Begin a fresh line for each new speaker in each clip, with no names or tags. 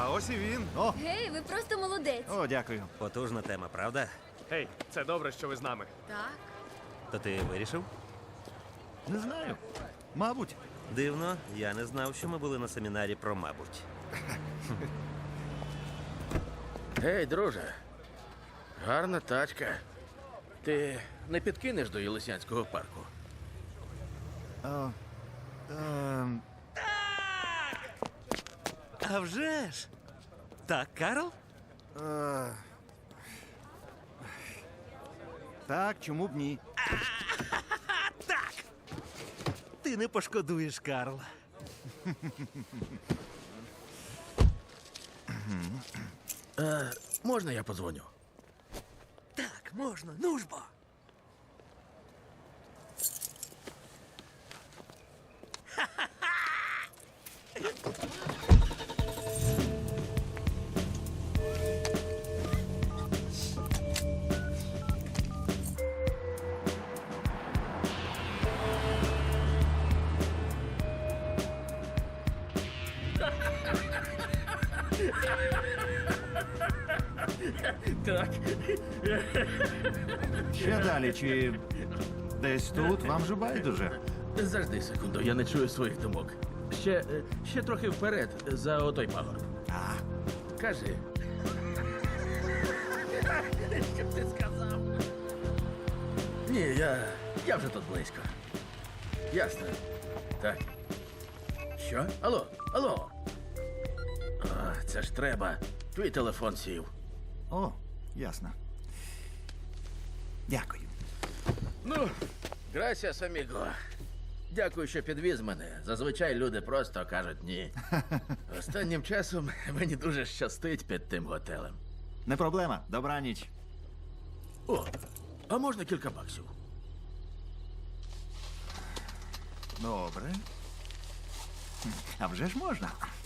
А ось і він.
О,
Гей, ви просто молодець.
о, дякую.
Потужна тема, правда?
Гей, це добре, що ви з нами.
Так.
То ти вирішив?
Не знаю. Мабуть.
Дивно, я не знав, що ми були на семінарі про мабуть.
Гей, друже. Гарна тачка. Ти не підкинеш до Єлисянського парку?
А вже ж! Так, Карл?
Так, чому б ні?
Так! Ти не пошкодуєш, Карл.
Можна я подзвоню?
Так, можна, ну ж бо.
Так.
Ще далі, чи десь тут вам же байдуже?
Завжди секунду, я не чую своїх думок. Ще трохи вперед, за отой пагорб.
А,
Кажи. Що б ти сказав? Ні, я вже тут близько. Ясно. Так. Що? Алло, алло. А, це ж треба. Твій телефон сів.
о, ясно. Дякую.
Ну, грасіас, аміго. Дякую, що підвіз мене. Зазвичай люди просто кажуть ні. Останнім часом мені дуже щастить під тим готелем.
Не проблема. Добраніч.
О, а можна кілька баксів?
Добре. А вже ж можна.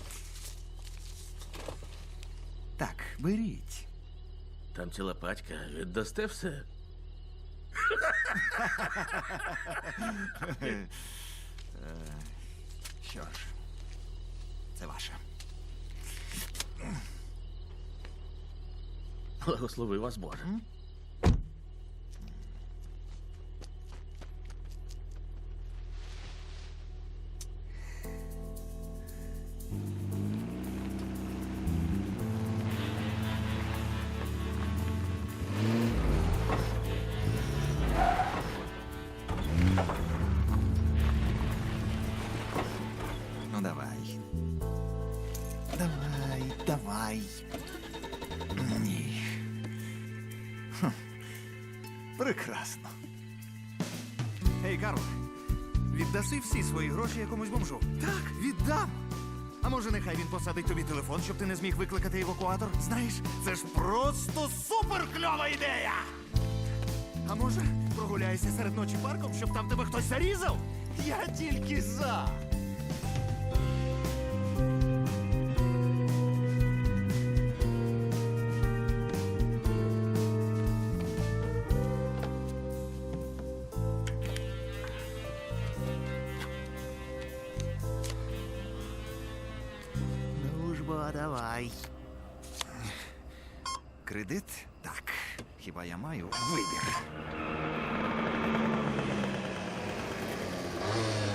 Так, беріть.
Там ціла пачка. Віддасте все?
Що ж, це ваше.
Благослови вас, Боже.
Ну, давай. Давай, давай. Ні. Хм. Прекрасно. Ей, Карл, віддаси всі свої гроші якомусь бомжу? Так, віддам. А може, нехай він посадить тобі телефон, щоб ти не зміг викликати евакуатор? Знаєш, це ж просто суперкльова ідея! А може, прогуляйся серед ночі парком, щоб там тебе хтось зарізав? Я тільки за. Ну ж бо, давай. Кредит? Так. Хіба я маю вибір?